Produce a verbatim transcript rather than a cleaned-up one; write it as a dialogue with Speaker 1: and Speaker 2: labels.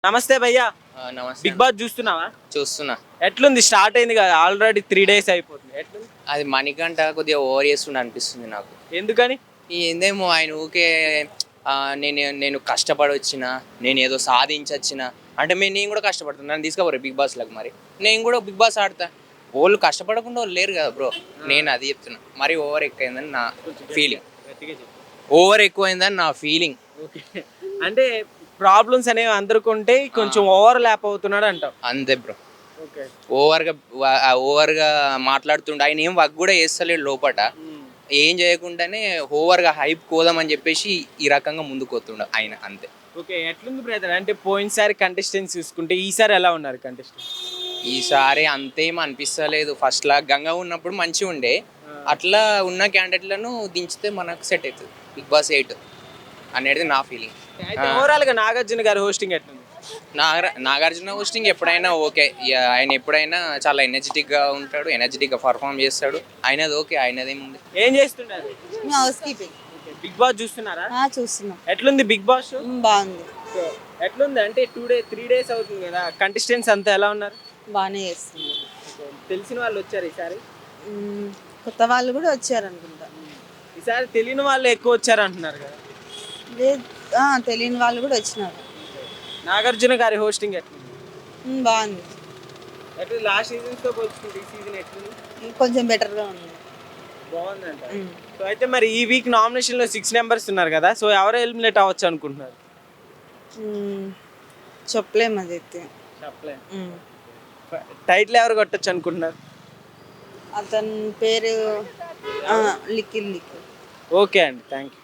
Speaker 1: నమస్తే భయ్యా.
Speaker 2: ఆ, నమస్తే
Speaker 1: బిగ్
Speaker 2: అన్న.
Speaker 1: బాస్ చూస్తున్నావా?
Speaker 2: చూస్తున్నా.
Speaker 1: ఎట్లుంది? స్టార్ట్ అయింది కదా, ఆల్రెడీ త్రీ డేస్ అయిపోతుంది. ఎట్లుంది?
Speaker 2: అది మణికంఠ కొద్దిగా ఓవర్ చేస్తుండ అనిపిస్తుంది నాకు.
Speaker 1: ఎందుకని?
Speaker 2: ఈ ఏందేమో ఆయన ఊకే ఆ, నేను నేను కష్టపడి వచ్చిన, నేను ఏదో సాధించొచ్చిన అంటే మేము నేను కూడా కష్టపడుతున్నా, నన్ను తీసుకోపోరు బిగ్ బాస్లకు. మరి నేను కూడా బిగ్ బాస్ ఆడతా. వాళ్ళు కష్టపడకుండా వాళ్ళు లేరు కదా బ్రో. నేను అది చెప్తున్నా, మరి ఓవర్ ఎక్కువైందని నా ఫీలింగ్.
Speaker 1: గట్టిగా చెప్పు.
Speaker 2: ఓవర్ ఎక్కువైందని నా ఫీలింగ్.
Speaker 1: ఓకే. అంటే ప్రాబ్లమ్స్ అనేవి అందరికి ఉంటే కొంచెం ఓవర్ ల్యాప్ అవుతున్నాడు అంటావు.
Speaker 2: అంతే బ్రో.
Speaker 1: ఓకే.
Speaker 2: ఓవర్గా ఓవర్గా మాట్లాడుతుండే ఆయన ఏం వర్క్ కూడా చేస్తలేడు లోపట. ఏం చేయకుండానే ఓవర్గా హైప్ కోదామని చెప్పేసి ఈ రకంగా ముందుకు పోతుండ ఆయన అంతే.
Speaker 1: ఓకే. ఎట్లుంది బ్రదర్? అంటే పోయినసారి కంటెస్టెంట్స్ చూసుకుంటే ఈసారి ఎలా ఉన్నారు కంటెస్టెంట్స్?
Speaker 2: ఈసారి అంతేం అనిపిస్తలేదు. ఫస్ట్ లా గంగా ఉన్నప్పుడు మంచిగా ఉండే, అట్లా ఉన్న క్యాండిడేట్లను దించితే మనకు సెట్ అవుతుంది బిగ్ బాస్ ఎయిట్ అనేది నా ఫీలింగ్.
Speaker 1: అయితే ఓవరాల్ గా నాగార్జున గారి హోస్టింగ్ ఎట్లుంది?
Speaker 2: నాగ నాగార్జున హోస్టింగ్ ఎప్పుడైనా ఓకే. ఇక ఆయన ఎప్పుడైనా చాలా ఎనర్జెటిక్గా ఉంటాడు, ఎనర్జెటిక్గా పర్ఫామ్ చేస్తాడు. ఆయనది ఓకే, ఆయనదేముంది.
Speaker 1: ఏం చేస్తున్నారు?
Speaker 3: House keeping.
Speaker 1: బిగ్ బాస్ చూస్తున్నారా?
Speaker 3: చూస్తున్నాం.
Speaker 1: ఎట్లుంది బిగ్ బాస్ షో?
Speaker 3: బాగుంది.
Speaker 1: ఎట్లుంది అంటే టూ డే త్రీ డేస్ అవుతుంది కదా, కంటెస్టెంట్స్ అంతా ఎలా ఉన్నారు?
Speaker 3: బాగానే చేస్తున్నారు.
Speaker 1: తెలిసిన వాళ్ళు వచ్చారు ఈసారి?
Speaker 3: మ్మ్. కొత్త వాళ్ళు కూడా వచ్చారు అనుకుంటా.
Speaker 1: ఈసారి తెలియని వాళ్ళు ఎక్కువ వచ్చారు అంటున్నారు కదా.
Speaker 3: లేదు, ఆ, తెలియని వాళ్ళు కూడా వచ్చినారు.
Speaker 1: నాగార్జున గారి హోస్టింగ్ ఎట్లుంది?
Speaker 3: మ్మ్, బాగుంది.
Speaker 1: ఎట్లా లాస్ట్ సీజన్స్ తో పోల్చుకుంటే ఈ సీజన్ ఎట్లుంది?
Speaker 3: కొంచెం బెటర్గా ఉంది.
Speaker 1: బాగుందంట.
Speaker 3: మ్మ్.
Speaker 1: సో అయితే మరి ఈ వీక్ నామినేషన్ లో సిక్స్ మెంబర్స్ ఉన్నారు కదా, సో ఎవరు ఎలిమినేట్ అవ్వచ్చు అనుకుంటున్నారు?
Speaker 3: మ్మ్. చెప్పలేము అది అయితే.
Speaker 1: చెప్పలే.
Speaker 3: మ్మ్.
Speaker 1: టైటిల్ ఎవరు కొట్టచ్చు అనుకుంటున్నారు?
Speaker 3: అతని పేరు లిక్కిల్ లిక్కిల్.
Speaker 1: ఓకే అండి, థ్యాంక్ యూ.